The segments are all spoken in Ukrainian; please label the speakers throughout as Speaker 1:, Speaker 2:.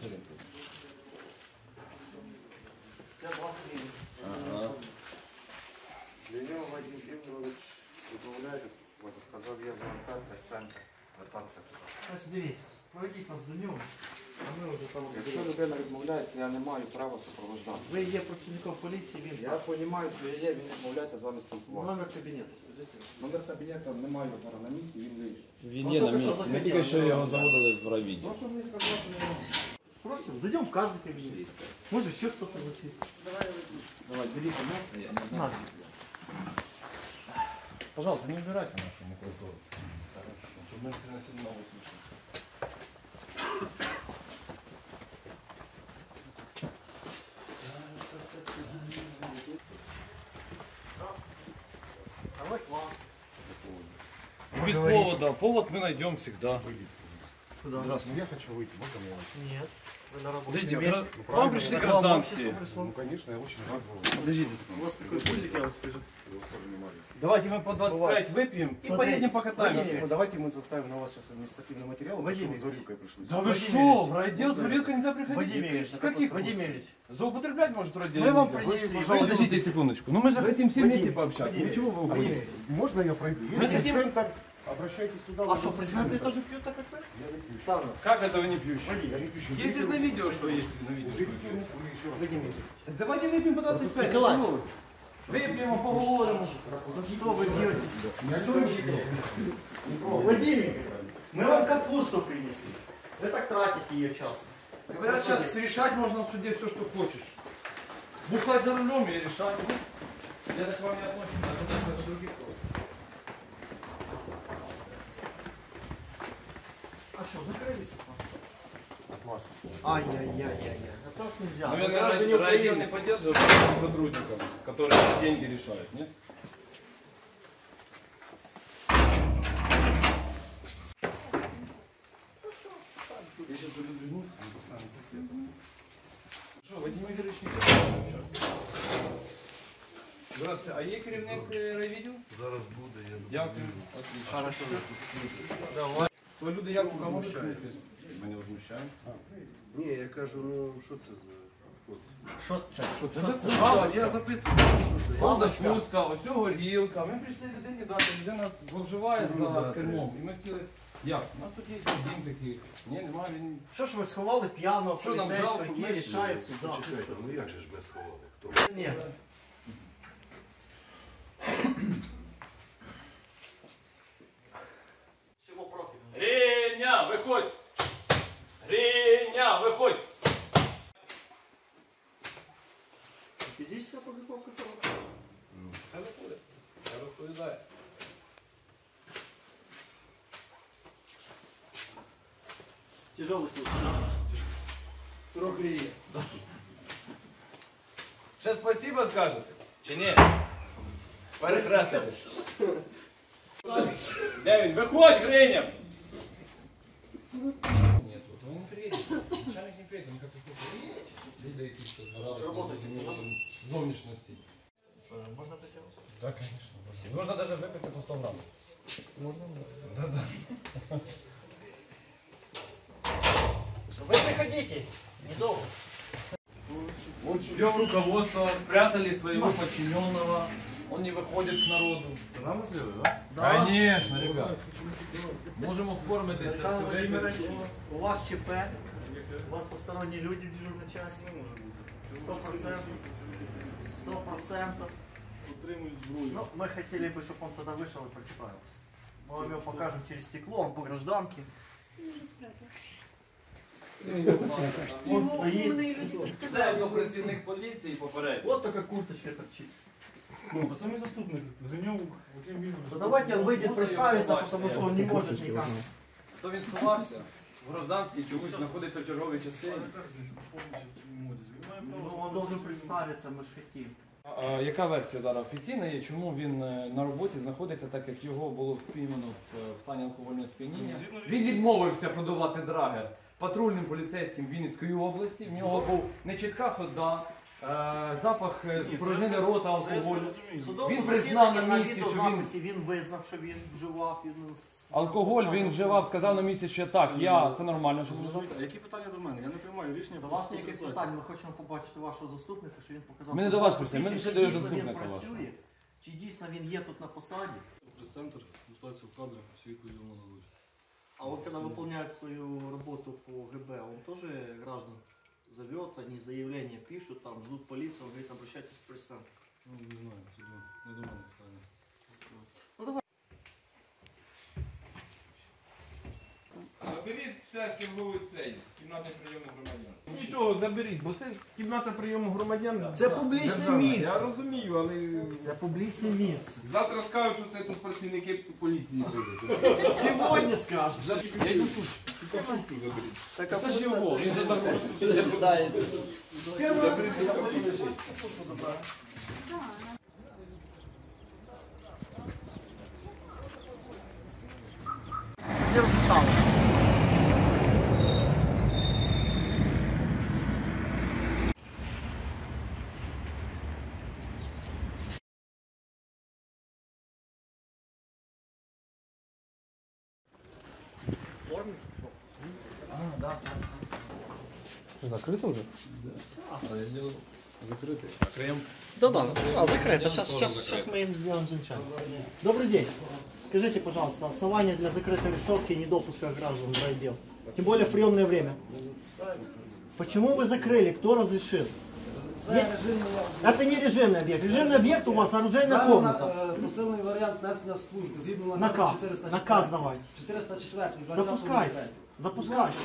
Speaker 1: Я 20 гривень.
Speaker 2: Ага.
Speaker 1: Ленев Вадим Ігорович, відмовляєтесь, сказав, я волонтер, центр, вертатися. Ось дивіться, проведіть вас до нього, а ми вже там... Якщо людина відмовляється, я не маю права супроводжати. Ви є працівником поліції, він... Я розумію, що я є, він відмовляється з вами спілкуватися. Номер кабінету, скажіть. Номер кабінету немає зараз на місці, він вийшов.
Speaker 2: Він є на місці, ми тільки що його заводили в райвідділ.
Speaker 1: Ну, що мені сказати, не можу. Спросим, зайдем в каждый кабинет. Может еще кто согласится.
Speaker 2: Давай, берите, ну,
Speaker 1: Надо.
Speaker 2: Пожалуйста, не убирайте нашу макулатуру. Чтобы мы приносили новую слушать.
Speaker 1: Давай к вам.
Speaker 2: Без повода. Повод мы найдем всегда.
Speaker 1: Куда?
Speaker 3: Здравствуйте, я хочу выйти, можно мне выйти?
Speaker 1: Нет. Вы на работе.
Speaker 2: Подождите,
Speaker 1: месте.
Speaker 2: вам пришли гражданские.
Speaker 3: Ну, конечно, я очень рад за вас.
Speaker 2: Подождите.
Speaker 1: У вас такой пузик, я вам скажу.
Speaker 3: Я вас тоже не могу.
Speaker 2: Давайте мы по 25 выпьем и
Speaker 1: Смотри,
Speaker 2: поедем покатаемся.
Speaker 3: Ну, давайте мы заставим на вас сейчас административный материал, потому что
Speaker 1: Вадим
Speaker 3: вы с горилкой пришли.
Speaker 2: Да вы
Speaker 1: Вадим
Speaker 2: что,
Speaker 1: Ильич,
Speaker 2: в райотдел с горилкой нельзя приходить?
Speaker 1: Вадим Ильич,
Speaker 2: С каких
Speaker 1: Вадим
Speaker 2: пор?
Speaker 1: Ильич.
Speaker 2: Заупотреблять может в райотделе
Speaker 1: Мы вам
Speaker 2: нельзя?
Speaker 1: принесли,
Speaker 2: Вы, подождите секундочку, ну мы же хотим все вместе пообщаться.
Speaker 1: Вадим,
Speaker 2: Ну чего вы
Speaker 1: Вадим,
Speaker 2: уходите?
Speaker 3: Можно я пройду?
Speaker 2: Мы
Speaker 3: Если
Speaker 2: хотим-
Speaker 3: центр, обращайтесь сюда.
Speaker 1: А что, президенты тоже пьют так, как вы?
Speaker 3: Я не пью.
Speaker 1: Ставно.
Speaker 2: Как это вы не пьющие?
Speaker 3: Я не пью.
Speaker 2: Есть же на видео, что есть на видео, что
Speaker 3: Уберите
Speaker 2: пьют.
Speaker 3: руку и еще раз.
Speaker 1: Вадим Ильич.
Speaker 2: Так давайте выпьем по 25,
Speaker 1: Николай.
Speaker 2: почему вы? Выпьем, поговорим.
Speaker 1: Ну что вы делаете? Вадим Ильич, мы вам капусту принесли. Вы так тратите ее часто.
Speaker 2: Говорят, сейчас решать можно в суде все, что хочешь. Бухать за рулем и решать. Ну, я так к вам не отношусь, а даже других тоже.
Speaker 1: А что, закрылись от вас?
Speaker 3: От вас.
Speaker 1: Ай-яй-яй-яй-яй. От нас нельзя. Мы
Speaker 2: Наверное,
Speaker 1: граждане
Speaker 2: райотдел не
Speaker 1: Украины.
Speaker 2: поддерживает сотрудников, которые деньги решают, нет?
Speaker 3: Я сейчас вернусь, вы поставите пакет.
Speaker 2: Що, Вадим Ігорович не хоче общатися? Здравствуйте, а є керівник райвідділу?
Speaker 3: Зараз буде, я
Speaker 2: Дякую. Отлично.
Speaker 1: Хорошо. Давай.
Speaker 2: То люди як можуть знайти? Ми не возмущаємо.
Speaker 3: Ні, я кажу, ну що це за хлопці?
Speaker 1: Що це?
Speaker 2: Я запитую. Ось закуска, ось горілка. Ми прийшли людині дати, людина зловживає за кермом. І ми хотіли, як? У нас тут є дім такий. Ні, немає, він...
Speaker 1: Що ж ви сховали п'яного
Speaker 2: Що нам
Speaker 1: поліцейського,
Speaker 2: жалко,
Speaker 1: який
Speaker 2: ми
Speaker 1: рішає в судах?
Speaker 3: Почекайте, ну як же ж без холоду? Хто?
Speaker 1: Ні. Всього профілю.
Speaker 2: Гриня, виходь! Гриня, виходь!
Speaker 1: Фізична подготовка хороша.
Speaker 2: Хай виходить. Я розповідаю.
Speaker 1: Тяжелый случай.
Speaker 2: Трохи є. Ще спасибо скажете? Чи ні? Перехреститесь. Де він? Виходь, Гриня! Ні, тут він не приїде. Начальник не приїде, він каже, слухай, люди якісь тут наразі зовнішності.
Speaker 1: Можно притянуть?
Speaker 2: Так, звісно. Можна навіть випити по 100 грамів.
Speaker 1: Можно?
Speaker 2: Да-да.
Speaker 1: Вы приходите. Недолго.
Speaker 2: Вот ждем руководства, спрятали своего подчиненного. Он не выходит к народу.
Speaker 3: Нам сделали, да?
Speaker 1: Да.
Speaker 2: Конечно, ребят. Можем оформить это
Speaker 1: Александр
Speaker 2: все.
Speaker 1: Владимирович, у вас ЧП, у вас посторонние люди в дежурной части. 100%. 100%.
Speaker 3: Утримують зброю.
Speaker 1: Ну, мы хотели бы, чтобы он тогда вышел и представился. Мы вам его покажем через стекло, он по гражданке. Он стоит.
Speaker 2: Це його працівник поліції попередньо.
Speaker 1: Вот такая курточка торчит.
Speaker 3: Ну, пацани заступник. Гриньов, Вадим Ігорович.
Speaker 1: Ну давайте он выйдет
Speaker 2: Можно
Speaker 1: представиться,
Speaker 2: его
Speaker 1: потому
Speaker 2: побачить?
Speaker 1: что он не может никак.
Speaker 2: То він сховався. В гражданській чомусь знаходиться в черговій частині.
Speaker 1: Ну он должен представиться, мы же хотим.
Speaker 2: Яка версія зараз офіційна є? Чому він на роботі знаходиться, так як його було спіймано в стані алкогольного сп'яніння? Він відмовився продавати драгер патрульним поліцейським Вінницької області. В нього був нечітка хода, запах спорожнини рота, алкоголю.
Speaker 4: Судовому
Speaker 2: Він признав на
Speaker 4: засіданні
Speaker 2: місці, що
Speaker 4: відеозаписі він визнав, що він вживав.
Speaker 2: Алкоголь він вживав, сказав на місці, що так, це нормально, що вживав.
Speaker 3: А які питання до мене? Я не приймаю рішення.
Speaker 4: До вас ніяких питань, ми хочемо побачити вашого заступника, що він показав.
Speaker 2: Ми не до вас просимо, ми
Speaker 4: чи
Speaker 2: лише до
Speaker 4: дійсно
Speaker 2: заступника
Speaker 4: він
Speaker 2: вашого.
Speaker 4: працює, чи дійсно він є тут на посаді.
Speaker 3: Прес-центр, ситуація в кадрах, всі відповіді вам нададуть.
Speaker 4: А он когда выполняет свою работу по ГБ, он тоже граждан зовет, они заявления пишут, там ждут полицию, он говорит, обращайтесь в пресс-центр.
Speaker 3: Ну, не знаю, це не до мене питання.
Speaker 4: Ну давай.
Speaker 5: Заберіть все, з ким були цей, кімната прийому громадян. Нічого, заберіть, бо це кімната прийому громадян.
Speaker 4: Це публічне
Speaker 5: державна.
Speaker 4: місце.
Speaker 5: Я розумію, але
Speaker 4: Це публічне місце.
Speaker 5: завтра скажуть, що це тут працівники поліції прийдуть.
Speaker 4: Сьогодні скажуть.
Speaker 2: Я йду тут.
Speaker 4: Так,
Speaker 2: Це ж його, він же також.
Speaker 4: Не розліталося.
Speaker 2: Що, закрито вже? Закритий. Крем.
Speaker 4: Да, закрыто. Сейчас мы им сделаем замечание. Добрый день. Скажите, пожалуйста, основания для закрытой решетки и недопуска граждан в райотдел? Тем более в приемное время. Почему вы закрыли? Кто разрешил? Это не режимный объект. Режимный объект у вас оружейная комната.
Speaker 6: Посилений варіант несення служби згідно
Speaker 4: Наказ.
Speaker 6: 404.
Speaker 4: Наказ давай.
Speaker 6: 404.
Speaker 4: Запускайте. Запускайте.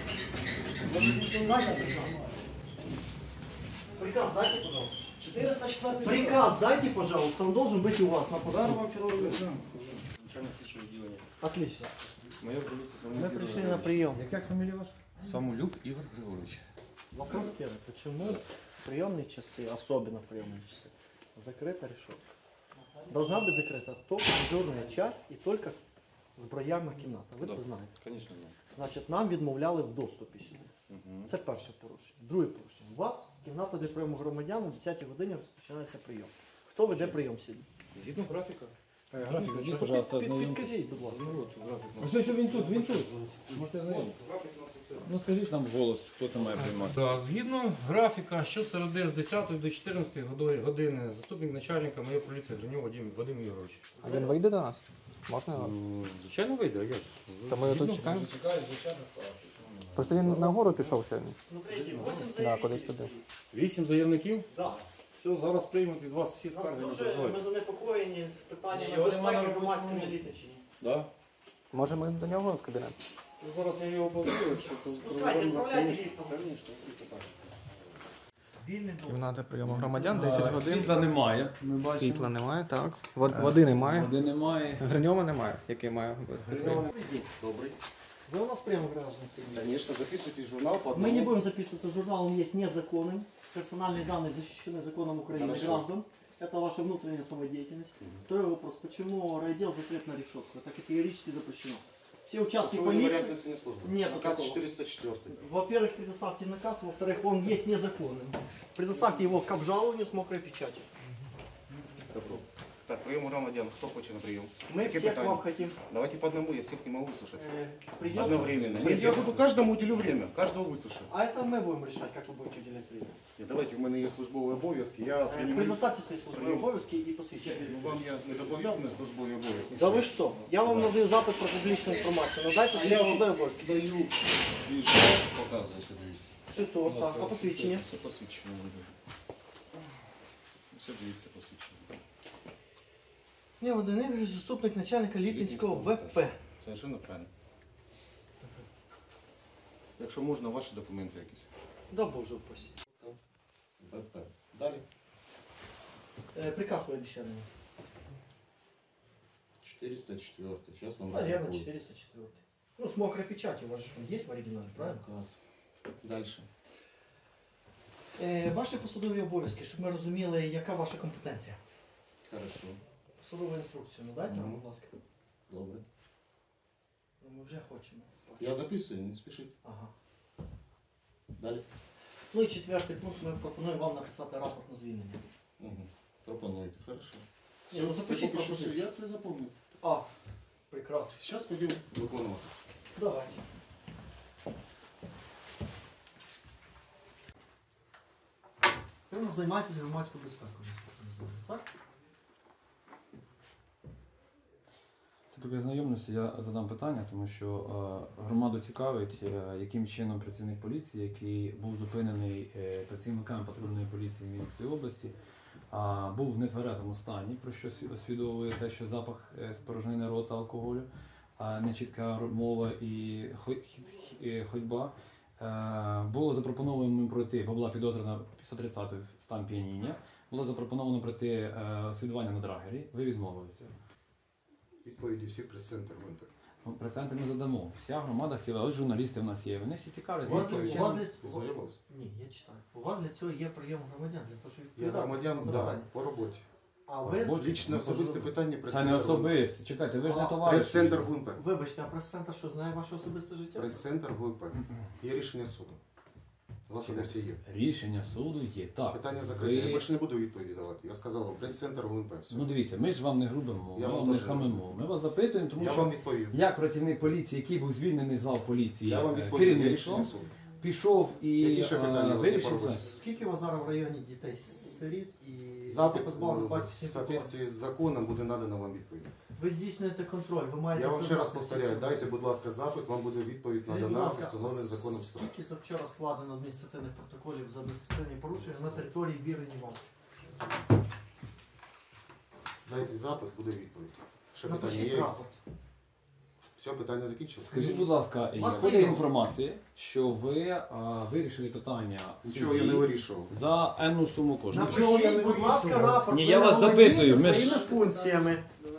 Speaker 4: Приказ дайте, пожалуйста.
Speaker 6: 404.
Speaker 4: Приказ дайте, пожалуйста. Он должен быть у вас на
Speaker 6: Зараз
Speaker 4: посту.
Speaker 6: вам черговий лист.
Speaker 3: Начальник слідчого відділення.
Speaker 4: Отлично.
Speaker 3: Майор поліції
Speaker 4: Мы
Speaker 3: Самолюк
Speaker 4: пришли
Speaker 3: Ігор
Speaker 4: на прием.
Speaker 2: Яка фамілія ваша? Самолюк Ігор Григорович.
Speaker 4: Вопрос первый. Почему в приемные часы, особенно в приемные часы, закрыта решетка? Должна быть закрыта только дежурная часть и только зброярна кімната. Ви це знаєте.
Speaker 3: Звісно, ні.
Speaker 4: Значить, нам відмовляли в доступі сюди. Це перше порушення. Друге порушення. У вас кімната для прийому громадян о 10 годині розпочинається прийом. Хто веде прийом сьогодні?
Speaker 3: Згідно графіка.
Speaker 2: Графік, зайдіть, пожалуйста, ознайомтесь.
Speaker 4: Підкажіть, будь ласка.
Speaker 2: Ось він тут, він тут. Можете знайомитися. Ну скажіть нам голос, хто це має приймати.
Speaker 7: Так, згідно графіка, щосереди з 10 до 14 години заступник начальника моєї поліції Гриньов Вадим Ігорович.
Speaker 8: А він вийде до нас? Можна його?
Speaker 7: Звичайно вийде, а я ж.
Speaker 8: То ми його тут чекаємо?
Speaker 2: Чекають, звичайно, справді.
Speaker 8: Просто він нагору пішов сьогодні.
Speaker 4: Смотрите, 8
Speaker 8: Да,
Speaker 4: заявителей
Speaker 8: кудись туди.
Speaker 4: стоїть.
Speaker 7: 8 заявників.
Speaker 4: Да.
Speaker 7: Все, зараз приймуть від вас всі
Speaker 4: Нас
Speaker 7: скарги на
Speaker 4: дуже
Speaker 7: дозволь.
Speaker 4: ми занепокоєні питаннями
Speaker 2: Його нема на
Speaker 4: безпеки
Speaker 2: робочому
Speaker 4: громадському
Speaker 2: місці.
Speaker 4: визначенні.
Speaker 7: Да.
Speaker 8: Може ми до нього в кабінет?
Speaker 7: Зараз я його позову, що
Speaker 4: Спускайте, відправляйте ліфтом. Вільний доступ.
Speaker 8: Кімната прийому громадян, 10 годин.
Speaker 2: Світла немає, ми бачимо.
Speaker 8: Світла немає, так. Води немає.
Speaker 2: Води немає.
Speaker 8: Гриньова немає, який має вести прийом.
Speaker 1: Добрый.
Speaker 4: Вы у нас прямо граждан.
Speaker 1: Конечно, записывайте журнал по
Speaker 4: Мы
Speaker 1: одному.
Speaker 4: не будем записываться в журнал, он есть незаконным. Персональные данные защищены законом Украины
Speaker 1: Хорошо.
Speaker 4: граждан. Это ваша внутренняя самодеятельность. Второй вопрос. Почему райотдел закрыт на решетку? Это категорически запрещено. Все участки
Speaker 1: Посиленный вариант
Speaker 4: полиции...
Speaker 1: несения службы.
Speaker 4: Нет
Speaker 1: Наказ
Speaker 4: такого.
Speaker 1: 404.
Speaker 4: Во-первых, предоставьте наказ. Во-вторых, он есть незаконным. Предоставьте его к обжалованию с мокрой печатью.
Speaker 1: Добро. Так, прием громадян. Кто хочет на прием?
Speaker 4: Мы
Speaker 1: Какие
Speaker 4: все к
Speaker 1: питания?
Speaker 4: вам хотим.
Speaker 1: Давайте по одному, я всех не могу выслушать.
Speaker 4: Придется?
Speaker 1: Одновременно. Нет, я
Speaker 4: Придется.
Speaker 1: буду каждому уделю время. Каждого выслушаю.
Speaker 4: А это мы будем решать, как вы будете уделять время.
Speaker 1: Нет, давайте, у меня есть службовые обовязки. Я принимаю...
Speaker 4: Предоставьте свои службовые обовязки и посвящение.
Speaker 1: Ну, вам я не зобов'язаний службові обов'язки.
Speaker 4: Да вы что? Я вам надаю запит про публічну інформацію. Надайте свої службові обов'язки.
Speaker 1: Даю свій показую сюди.
Speaker 4: Чи то, так, а посвідчення?
Speaker 1: Все посвідчення буде. Все дивіться посвідчення.
Speaker 4: Ні, Вадим Ігорович, заступник начальника Літинського ВП.
Speaker 1: Совершенно правильно. Якщо можна, ваші документи якісь.
Speaker 4: Да боже упаси.
Speaker 1: ВП. Далі.
Speaker 4: Приказ ви обіцяли.
Speaker 1: 404. Сейчас вам
Speaker 4: Наверное, 404. Ну, с мокрой печатью, у вас же он есть в оригинале, правильно?
Speaker 1: Наказ. Дальше.
Speaker 4: Ваші посадові обов'язки, щоб ми розуміли, яка ваша компетенція.
Speaker 1: Хорошо.
Speaker 4: Посадову інструкцію надайте нам, будь ласка.
Speaker 1: Добре.
Speaker 4: Ну, ми вже хочемо.
Speaker 1: Я записую, не спішіть.
Speaker 4: Ага.
Speaker 1: Далі.
Speaker 4: Ну і четвертий пункт, ми пропонуємо вам написати рапорт на звільнення.
Speaker 3: Пропонуйте, хорошо.
Speaker 4: Ні, ну запишіть
Speaker 3: Це поки що
Speaker 4: пропозицію.
Speaker 3: я це запомнив.
Speaker 4: А, прекрасно.
Speaker 3: Зараз підемо виконувати.
Speaker 4: Давайте. Ви у нас займаєтесь громадською безпекою, наскільки я знаю, так?
Speaker 2: Поки знайомлюся, я задам питання, тому що громаду цікавить, яким чином працівник поліції, який був зупинений працівниками патрульної поліції Вінницької області, був в нетверезому стані, про що освідовує те, що запах спорожнини рота алкоголю, нечітка мова і ходьба. Було запропоновано йому пройти, бо була підозрена 130 стан п'яніння, було запропоновано пройти освідування на драгері, ви відмовилися.
Speaker 3: Відповіді всі прес-центр ГУНП.
Speaker 2: Ну, проценти ми задамо. Вся громада хотіла, ось журналісти в нас є, вони всі цікавляться.
Speaker 4: У вас
Speaker 2: яким
Speaker 4: для-
Speaker 2: чином-
Speaker 4: у вас для-
Speaker 3: Познайомились?
Speaker 4: Ні, я читаю. У вас для цього є прийом громадян, для того, щоб
Speaker 3: Я
Speaker 4: відповідати
Speaker 3: громадян,
Speaker 4: на
Speaker 3: да,
Speaker 4: запитання.
Speaker 3: по роботі.
Speaker 4: А ви,
Speaker 3: Лічне особисте питання
Speaker 2: Це не
Speaker 3: прес-центр ГУНП.
Speaker 2: особисто. Чекайте, ви ж не
Speaker 4: А,
Speaker 2: товариші.
Speaker 3: Прес-центр ГУНП.
Speaker 4: вибачте, а прес-центр що, знає ваше особисте життя?
Speaker 3: Прес-центр ГУНП. Є рішення суду. У вас вони всі є.
Speaker 2: Рішення суду є. Так.
Speaker 3: Питання закрите. Я
Speaker 2: Ви...
Speaker 3: більше не буду відповіді давати. Я сказав вам, прес-центр ГУНП. Все.
Speaker 2: Ну дивіться, ми ж вам не грубимо,
Speaker 3: Я
Speaker 2: ми
Speaker 3: вам
Speaker 2: вам не
Speaker 3: теж не
Speaker 2: хамимо. Ми вас запитуємо, тому
Speaker 3: Я
Speaker 2: що
Speaker 3: вам відповів.
Speaker 2: як працівник поліції, який був звільнений з лав поліції,
Speaker 3: Я вам відповів. Є
Speaker 2: керівництвом,
Speaker 3: рішення суду.
Speaker 2: пішов і
Speaker 3: Які ще питання у вас є
Speaker 2: вирішив.
Speaker 3: по роботі?
Speaker 4: Скільки у вас зараз в районі дітей сиріт і
Speaker 3: Запит
Speaker 4: позбавлено
Speaker 3: в
Speaker 4: батьківських прав?
Speaker 3: соответствии з законом буде надано вам відповідь.
Speaker 4: Ви здійснюєте контроль, ви маєте
Speaker 3: Я вам
Speaker 4: це
Speaker 3: ще раз
Speaker 4: знати,
Speaker 3: повторяю,
Speaker 4: всі ці
Speaker 3: дайте, будь ласка, запит, вам буде відповідь
Speaker 4: Скажіть, будь
Speaker 3: надана,
Speaker 4: ласка,
Speaker 3: встановлений законом строк.
Speaker 4: скільки завчора складено адміністративних протоколів за адміністративні порушення на території вірені вам?
Speaker 3: Дайте запит, буде відповідь. Ще питання
Speaker 4: Напишіть
Speaker 3: є?
Speaker 4: рапорт.
Speaker 3: Все, питання закінчилось?
Speaker 2: Скажіть, будь ласка,
Speaker 4: Вас
Speaker 2: входить
Speaker 4: прийняли.
Speaker 2: інформація, що ви вирішили питання в
Speaker 3: Нічого я
Speaker 2: суді
Speaker 3: не вирішував.
Speaker 2: за енну суму коштів.
Speaker 4: Напишіть, будь ласка, рапорт.
Speaker 2: Ні,
Speaker 4: ви
Speaker 2: я
Speaker 4: не
Speaker 2: вас
Speaker 4: володієте
Speaker 2: запитую, ми ж-
Speaker 4: своїми функціями.